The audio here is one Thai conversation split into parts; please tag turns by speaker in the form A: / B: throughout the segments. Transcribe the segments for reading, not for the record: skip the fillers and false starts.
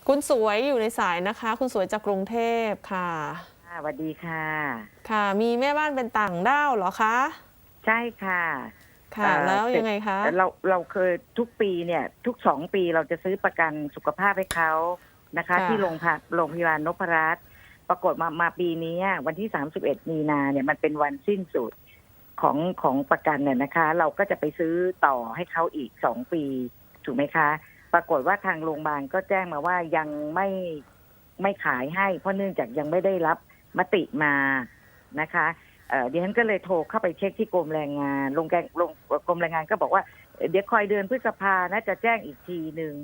A: คุณสวยอยู่ในสายนะคะ คุณสวยจากกรุงเทพค่ะ
B: สวัสดีค่ะ
A: ค่ะมีแม่บ้านเป็นต่างด้าวเหรอคะ
B: ใช่ค่ะ
A: ค่ะแล้ว
B: เสร็จ
A: ยังไงคะ
B: เราเคยทุกปีเนี่ยทุก2 ปีเราจะซื้อประกันสุขภาพให้เขานะคะ
A: ค่ะ
B: ที่โรงพยาบาลนพรัตน์ปรากฏมาปีนี้วันที่31 มีนาเนี่ยมันเป็นวันสิ้นสุดของประกันเนี่ยนะคะ เราก็จะไปซื้อต่อให้เขาอีก2 ปีถูกไหมคะปรากฏว่าทางโรงพยาบาลก็แจ้งมาว่ายังไม่ขายให้เพราะเนื่องจากยังไม่ได้รับมติมานะคะดิฉันก็เลยโทรเข้าไปเช็คที่กรมแรงงานกรมแรงงานก็บอกว่าเดี๋ยวคอยเดือนพฤษภานะจะแจ้งอีกทีหนึ่ง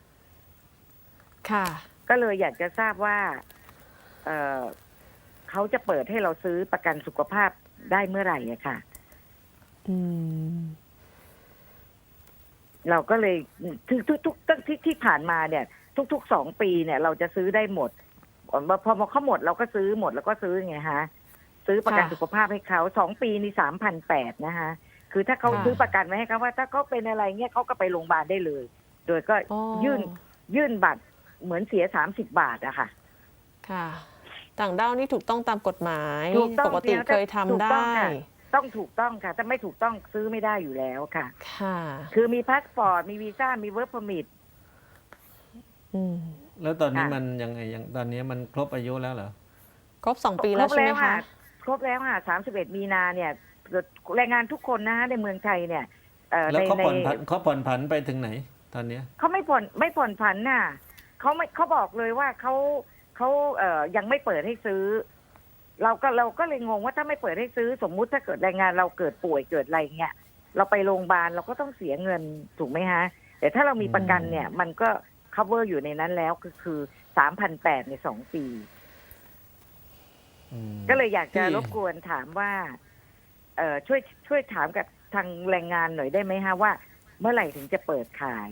A: ค่ะ
B: ก็เลยอยากจะทราบว่าเเขาจะเปิดให้เราซื้อประกันสุขภาพได้เมื่อไหร่อะค่ะ
A: อืม
B: เราก็เลยทุกที่ผ่านมาเนี่ย ทุก2 ปีเนี่ย เราจะซื้อได้หมดพอเขาหมดเราก็ซื้อหมดแล้วก็ซื้อไงฮะซื้อประกันสุขภาพให้เขา2 ปีนี่3,800นะคะคือถ้าเขาซื้อประกันไว้ให้เขาว่าถ้าเขาเป็นอะไรเงี้ยเขาก็ไปโรงพยาบาลได้เลย โดยก็ยื่นบัตรเหมือนเสีย30 บาทอะค่ะ
A: ค่ะต่างด้าวนี่ถูกต้องตามกฎหมายปกติเคยทำได้
B: ต้องถูกต้องค่ะถ้าไม่ถูกต้องซื้อไม่ได้อยู่แล้วค่ะ
A: ค่ะ
B: คือมีพาสปอร์ตมีวีซ่ามีเวิร์กพอร์มิท
C: แล้วตอนนี้มันยังไงตอนนี้มันครบอายุแล้วเหรอ
A: ครบ2 ปีแล้วใช่ไหมคะ
B: ครบแล้วค่ะ31 มีนาเนี่ยแรงงานทุกคนนะในเมืองไทยเนี่ย
C: แล้วเขาผ่อนผันไปถึงไหนตอนนี้
B: เขาไม่ผ่อนผันน่ะเขาบอกเลยว่าเขายังไม่เปิดให้ซื้อเราก็เลยงงว่าถ้าไม่เปิดให้ซื้อสมมุติถ้าเกิดแรงงานเราเกิดป่วยเกิดอะไรเงี้ยเราไปโรงพยาบาลเราก็ต้องเสียเงินถูกไหมฮะแต่ถ้าเรามีประกันเนี่ยมันก็ cover อยู่ในนั้นแล้วคือ3,800ใน2 ปีก็เลยอยากจะรบกวนถามว่าช่วยถามกับทางแรงงานหน่อยได้ไหมฮะว่าเมื่อไหร่ถึงจะเปิดขาย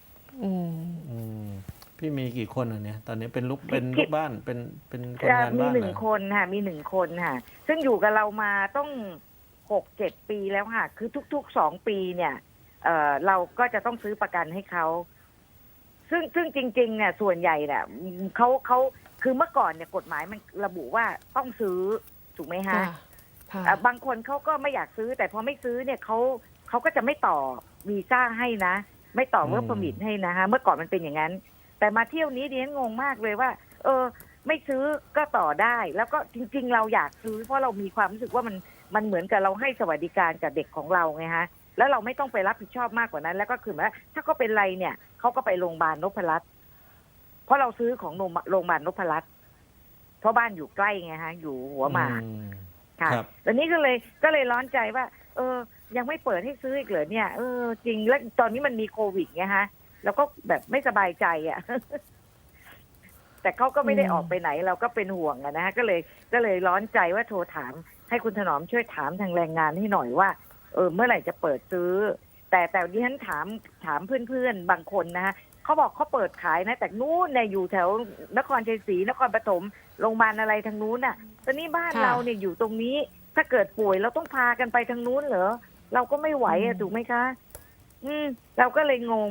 C: พี่มีกี่คนอ่ะเนี่ยตอนนี้เป็นลูกบ้านเป็นคนงานบ้าน
B: มี1 คนค่ะมี1 คนค่ะซึ่งอยู่กับเรามาต้อง6-7 ปีแล้วค่ะคือทุกๆ2 ปีเนี่ยเราก็จะต้องซื้อประกันให้เขาซึ่งจริงๆเนี่ยส่วนใหญ่เนี่ยเขาคือเมื่อก่อนเนี่ยกฎหมายมันระบุว่าต้องซื้อถูกไหมฮะบางคนเขาก็ไม่อยากซื้อแต่พอไม่ซื้อเนี่ยเขาก็จะไม่ต่อวีซ่าให้นะไม่ต่อเวิร์กพอร์มิทให้นะฮะเมื่อก่อนมันเป็นอย่างนั้นแต่มาเที่ยวนี้ดิฉันงงมากเลยว่าไม่ซื้อก็ต่อได้แล้วก็จริงๆเราอยากซื้อเพราะเรามีความรู้สึกว่ามันเหมือนกับเราให้สวัสดิการกับเด็กของเราไงฮะแล้วเราไม่ต้องไปรับผิดชอบมากกว่านั้นแล้วก็คือว่าถ้าเขาเป็นไรเนี่ยเขาก็ไปโรงพยาบาลนพรัตน์เพราะเราซื้อของโรงพยาบาลนพรัตน์เพราะบ้านอยู่ใกล้ไงฮะอยู่หัวหมากค่ะตอนนี้ก็เลยร้อนใจว่ายังไม่เปิดให้ซื้ออีกเหรอเนี่ยจริงแล้วตอนนี้มันมีโควิดไงฮะแล้วก็แบบไม่สบายใจอ่ะ แต่เขาก็ไม่ได้ออกไปไหนเราก็เป็นห่วงนะฮะก็เลยร้อนใจว่าโทรถามให้คุณถนอมช่วยถามทางแรงงานให้หน่อยว่าเมื่อไหร่จะเปิดซื้อแต่ดิฉันถามเพื่อนๆบางคนนะฮะเขาบอกเขาเปิดขายนะแต่นู้นเนี่ยอยู่แถวนครชัยศรีนครปฐมโรงพยาบาลอะไรทางนู้นน่ะตอนนี้บ้านเราเนี่ยอยู่ตรงนี้ถ้าเกิดป่วยเราต้องพากันไปทางนู้นเหรอเราก็ไม่ไหวอะถูกไหมคะเราก็เลยงง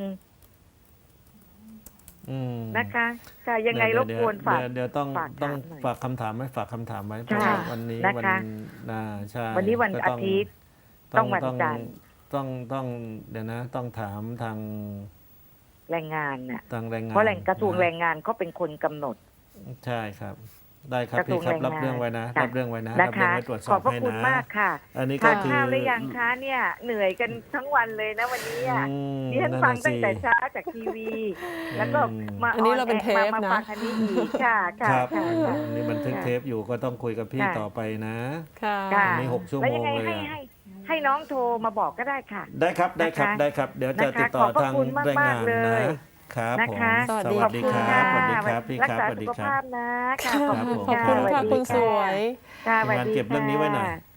B: นะคะค่ะยังไงรบกวนฝาก
C: เดี๋ยวต้องฝากคำถามไว้เพราะว่าวันนี้ใช่
B: วันนี้วันอาทิตย์ต้องวันจันทร์
C: ต้องเดี๋ยวนะต้องถามทาง
B: แรงงานน่ะเพ
C: ราะ
B: กระทรวงแรงงานเขาเป็นคนกำหนด
C: ใช่ครับได้ครับพี่ครับรับเรื่องไว้นะรับเรื่องไว้ตรวจสอบให้นะ
B: ขอบพระคุณมากค่ะ
C: อันนี้ก็คือ
B: ทานข้าวหรือยังคะเนี่ยเหนื่อยกันทั้งวันเลยนะวันนี้ดิฉันฟังตั้งแต่เช้าจากทีวีแล้วก็มา
A: อันนี้เราเป็นเทปนะ
B: ฟังอันนี้อีกค่ะ
C: ครับนี่บันทึกเทปอยู่ก็ต้องคุยกับพี่ต่อไปนะ
A: ค่ะ
C: นี่6 ชั่วโมงเลย
B: ให้น้องโทรมาบอกก็ได้ค่ะ
C: ได้ครับเดี๋ยวจะติดต่อทางแรงงานนะครับผม
A: สวัสดีครับ
C: พี่ครับสวัสดีครับ
B: รักษาสุขภาพนะค่ะ
A: ขอบคุณค่ะคุณสวย
C: งานเก็บเรื่องนี้ไว้หน่อย